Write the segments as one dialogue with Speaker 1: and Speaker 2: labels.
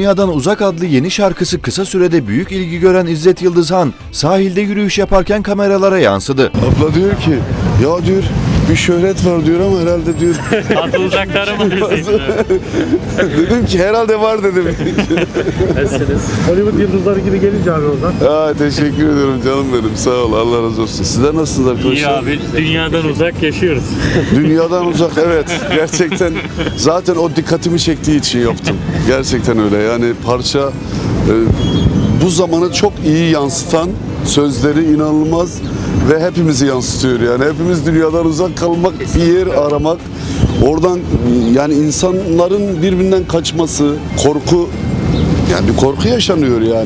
Speaker 1: Dünyadan Uzak adlı yeni şarkısı kısa sürede büyük ilgi gören İzzet Yıldızhan, sahilde yürüyüş yaparken kameralara yansıdı.
Speaker 2: Abla diyor ki, ya diyor bir şöhret var diyor ama herhalde diyor.
Speaker 3: Fazla uzaklara mı diyorsun?
Speaker 2: Dedim ki herhalde var dedim.
Speaker 3: Nasılsınız?
Speaker 4: Hollywood yıldızları gibi gelince abi oradan.
Speaker 2: Teşekkür ediyorum canım benim, sağ ol, Allah razı olsun. Sizler nasılsınız arkadaşlar?
Speaker 3: İyi abi, dünyadan uzak yaşıyoruz.
Speaker 2: Dünyadan uzak, evet. Gerçekten zaten o dikkatimi çektiği için yaptım. Gerçekten öyle, yani parça bu zamanı çok iyi yansıtan, sözleri inanılmaz ve hepimizi yansıtıyor yani. Hepimiz dünyadan uzak kalmak, bir yer aramak. Oradan yani insanların birbirinden kaçması, korku, yani bir korku yaşanıyor yani.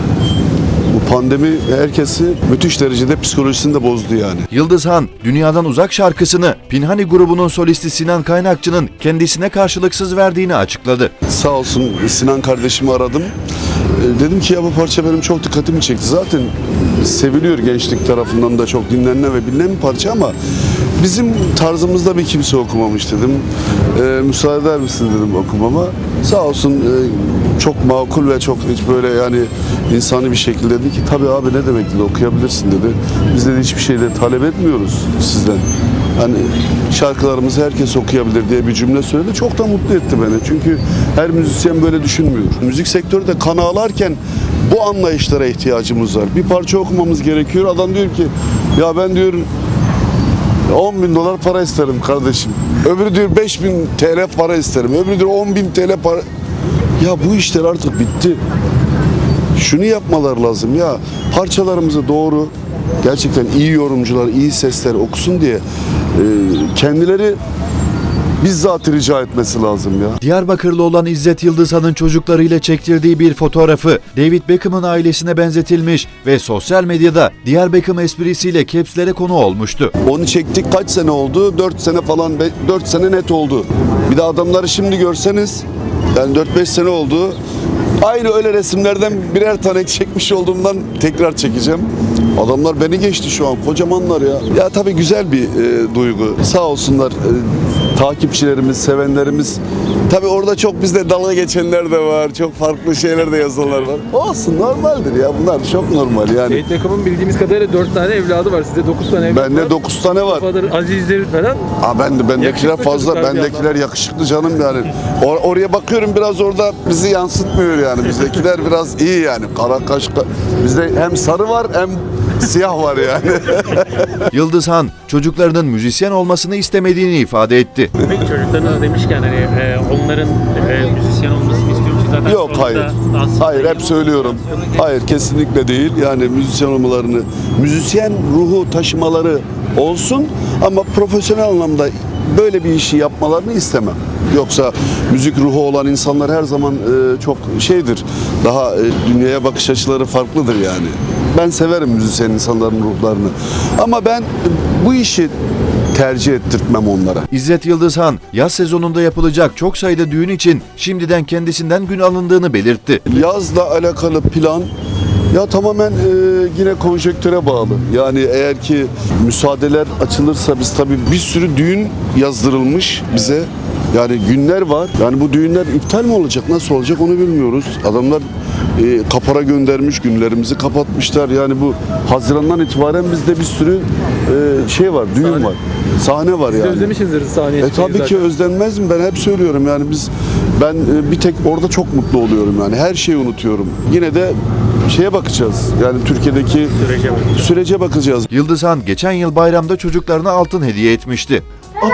Speaker 2: Bu pandemi herkesi müthiş derecede psikolojisini de bozdu yani.
Speaker 1: Yıldızhan, Dünyadan Uzak şarkısını Pinhani grubunun solisti Sinan Kaynakçı'nın kendisine karşılıksız verdiğini açıkladı.
Speaker 2: Sağ olsun Sinan kardeşimi aradım. Dedim ki ya bu parça benim çok dikkatimi çekti. Zaten seviliyor gençlik tarafından da, çok dinlenen ve bilinen bir parça ama bizim tarzımızda bir kimse okumamış dedim. Müsaade eder misin dedim okumama. Sağ olsun çok makul ve çok hiç böyle yani insani bir şekilde dedi ki tabii abi ne demek dedi, okuyabilirsin dedi. Biz dedi hiçbir şey de talep etmiyoruz sizden. Hani şarkılarımızı herkes okuyabilir diye bir cümle söyledi. Çok da mutlu etti beni. Çünkü her müzisyen böyle düşünmüyor. Müzik sektörü de kan ağlarken bu anlayışlara ihtiyacımız var. Bir parça okumamız gerekiyor. Adam diyor ki ya ben diyor 10.000 para isterim kardeşim. Öbürü diyor 5.000 TL para isterim. Öbürü diyor 10.000 TL para. Ya bu işler artık bitti. Şunu yapmalar lazım ya. Parçalarımızı doğru, gerçekten iyi yorumcular, iyi sesler okusun diye kendileri bizzat rica etmesi lazım ya.
Speaker 1: Diyarbakırlı olan İzzet Yıldızhan'ın çocuklarıyla çektirdiği bir fotoğrafı David Beckham'ın ailesine benzetilmiş ve sosyal medyada Diğer Beckham esprisiyle capslere konu olmuştu.
Speaker 2: Onu çektik kaç sene oldu? 4 sene falan, 4 sene net oldu. Bir de adamları şimdi görseniz, yani 4-5 sene oldu. Aynı öyle resimlerden birer tane çekmiş olduğumdan tekrar çekeceğim. Adamlar beni geçti şu an, kocamanlar ya. Ya tabii güzel bir duygu. Sağ olsunlar takipçilerimiz, sevenlerimiz. Tabii orada çok bizde dalga geçenler de var. Çok farklı şeyler de yazanlar var. Olsun, normaldir ya, bunlar çok normal yani.
Speaker 4: David Beckham'ın bildiğimiz kadarıyla 4 tane evladı var. Sizde 9 tane evladı var.
Speaker 2: Bende 9 tane var.
Speaker 4: Azizleri falan.
Speaker 2: Bendekiler
Speaker 4: Yakışıklı
Speaker 2: fazla,
Speaker 4: çocuklar bir
Speaker 2: bendekiler yakışıklı canım yani. Oraya bakıyorum, biraz orada bizi yansıtmıyor yani. Bizdekiler biraz iyi yani. Kara kaş, bizde hem sarı var hem siyah var yani.
Speaker 1: Yıldızhan, çocuklarının müzisyen olmasını istemediğini ifade etti.
Speaker 3: Peki çocuklarına demişken hani onların müzisyen olmasını istiyor musunuz? Zaten
Speaker 2: Yok, hayır. Hayır, hep söylüyorum. Hayır, kesinlikle değil. Yani müzisyen olmalarını, müzisyen ruhu taşımaları olsun ama profesyonel anlamda böyle bir işi yapmalarını istemem. Yoksa müzik ruhu olan insanlar her zaman çok şeydir. Daha dünyaya bakış açıları farklıdır yani. Ben severim müzisyen insanların ruhlarını. Ama ben bu işi tercih ettirtmem onlara.
Speaker 1: İzzet Yıldızhan, yaz sezonunda yapılacak çok sayıda düğün için şimdiden kendisinden gün alındığını belirtti.
Speaker 2: Yazla alakalı plan ya tamamen yine konjonktüre bağlı. Yani eğer ki müsaadeler açılırsa biz tabii bir sürü düğün yazdırılmış bize. Yani günler var. Yani bu düğünler iptal mi olacak, nasıl olacak onu bilmiyoruz. Adamlar kapora göndermiş, günlerimizi kapatmışlar. Yani bu Haziran'dan itibaren bizde bir sürü şey var, düğün var. Sahne var yani.
Speaker 4: Özlemişsinizdir sahneye.
Speaker 2: Tabii ki özlenmez mi? Ben hep söylüyorum yani ben bir tek orada çok mutlu oluyorum yani. Her şeyi unutuyorum. Yine de şeye bakacağız. Yani Türkiye'deki sürece bakacağız.
Speaker 1: Yıldızhan geçen yıl bayramda çocuklarına altın hediye etmişti.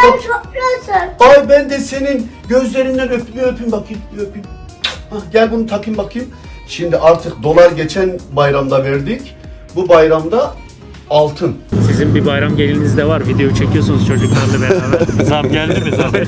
Speaker 5: Ay ben de senin gözlerinden öpeyim bakayım, bir öpeyim. Hah, gel bunu takayım bakayım. Şimdi artık dolar geçen bayramda verdik. Bu bayramda altın.
Speaker 3: Sizin bir bayram geliniz de var. Video çekiyorsunuz çocuklarla beraber. Zam geldi mi zam?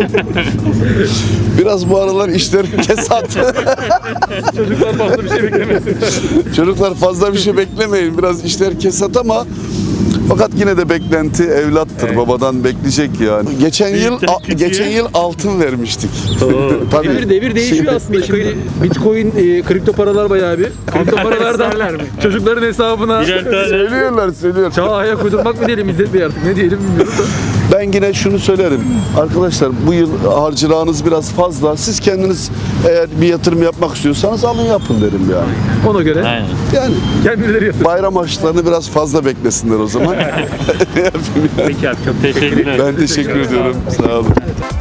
Speaker 2: Biraz bu aralar işler kesat.
Speaker 4: Çocuklar fazla bir şey beklemesin.
Speaker 2: Çocuklar fazla bir şey beklemeyin. Biraz işler kesat ama fakat yine de beklenti evlattır. Evet. Babadan bekleyecek yani. Geçen yıl altın vermiştik.
Speaker 4: Devir değişiyor aslında. Şimdi Bitcoin, kripto paralar bayağı bir. Kripto paralardan çocukların hesabına
Speaker 2: söylüyorlar.
Speaker 4: çağa ayak uydurmak mı diyelim İzzet Bey artık, ne diyelim bilmiyorum da.
Speaker 2: Ben yine şunu söylerim. Arkadaşlar bu yıl harcırağınız biraz fazla. Siz kendiniz eğer bir yatırım yapmak istiyorsanız alın yapın derim yani.
Speaker 4: Ona göre
Speaker 3: Aynen.
Speaker 2: Yani
Speaker 4: kendileri yatır.
Speaker 2: bayram harçlarını biraz fazla beklesinler o zaman.
Speaker 3: Peki abi çok teşekkür ederim.
Speaker 2: Ben teşekkür ediyorum. Sağ olun.